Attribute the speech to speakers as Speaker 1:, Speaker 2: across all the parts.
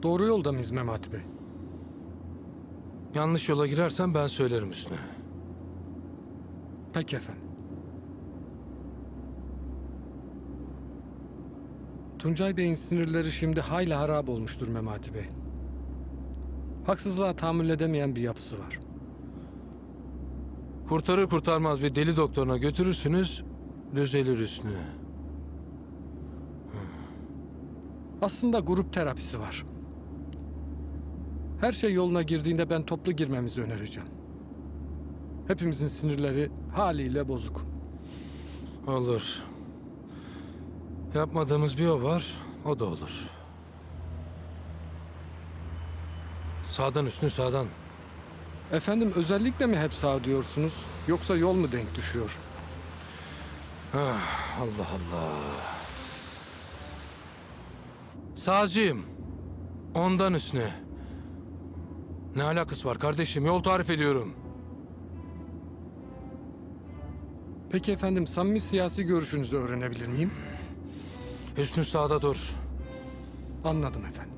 Speaker 1: Doğru yolda mıyız Memati Bey?
Speaker 2: Yanlış yola girersen ben söylerim Hüsnü.
Speaker 1: Peki efendim. Tuncay Bey'in sinirleri şimdi hayli harap olmuştur Memati Bey. Haksızlığa tahammül edemeyen bir yapısı var.
Speaker 2: Kurtarır kurtarmaz bir deli doktoruna götürürsünüz, düzelir Hüsnü.
Speaker 1: Aslında grup terapisi var. Her şey yoluna girdiğinde ben toplu girmemizi önereceğim. Hepimizin sinirleri haliyle bozuk.
Speaker 2: Olur. Yapmadığımız bir o var, o da olur. Sağdan Hüsnü, sağdan.
Speaker 1: Efendim özellikle mi hep sağ diyorsunuz yoksa yol mu denk düşüyor?
Speaker 2: Allah Allah. Sağcıyım. Ondan Hüsnü. Ne alakası var kardeşim? Yol tarif ediyorum.
Speaker 1: Peki efendim samimi siyasi görüşünüzü öğrenebilir miyim?
Speaker 2: Hüsnü sağda dur.
Speaker 1: Anladım efendim.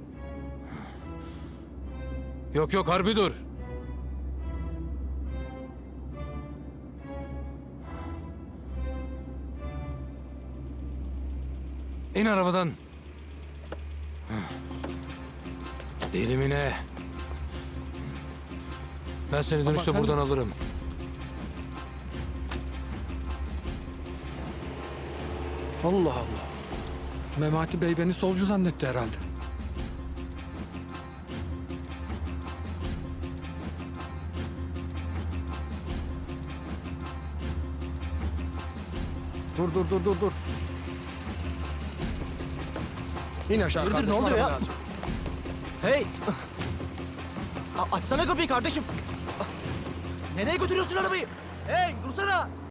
Speaker 2: Yok yok harbi dur. İn arabadan. Deli mi ne? Ben seni dönüşte
Speaker 1: efendim-
Speaker 2: buradan alırım.
Speaker 1: Allah Allah. Memati Bey beni solcu zannetti herhalde. Dur. İn aşağı
Speaker 3: Dur,
Speaker 1: kardeşim.
Speaker 3: ne oluyor
Speaker 1: araba
Speaker 3: ya?
Speaker 1: lazım.
Speaker 3: Hey! Açsana kapıyı kardeşim. Nereye götürüyorsun arabayı? Hey dursana!